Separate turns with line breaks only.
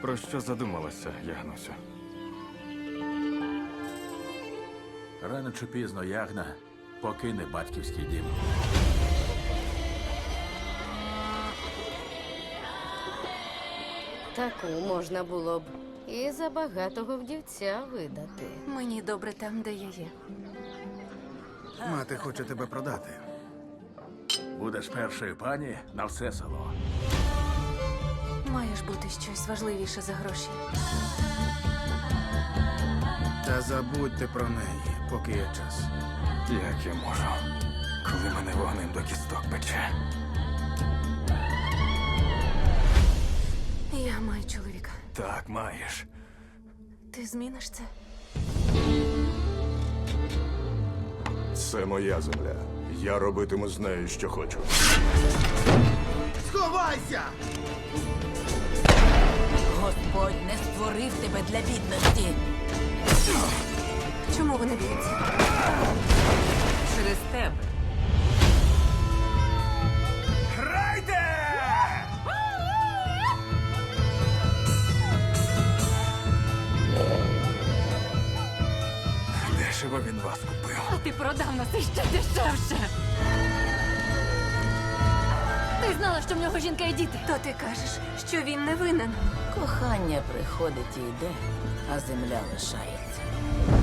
Про що задумалася, Ягнусю?
Рано чи пізно Ягна покине батьківський дім.
Таку можна було б і за багатого вдівця видати.
Мені добре там, де я є.
Мати хоче тебе продати.
Будеш першою пані на все село.
Має ж бути щось важливіше за гроші.
Та забудьте про неї, поки є час.
Як я можу, коли мене вогнем до кісток пече?
Я маю чоловіка.
Так, маєш.
Ти зміниш це?
Це моя земля. Я робитиму з нею, що хочу.
Сховайся!
Господь не створив тебе для бідності.
Чому вони б'ються?
Через тебе.
Дешево він вас купив.
А ти продав нас іще дешевше. Ти знала, що в нього жінка і діти. То ти кажеш, що він не винен.
Кохання приходить і йде, а земля лишається.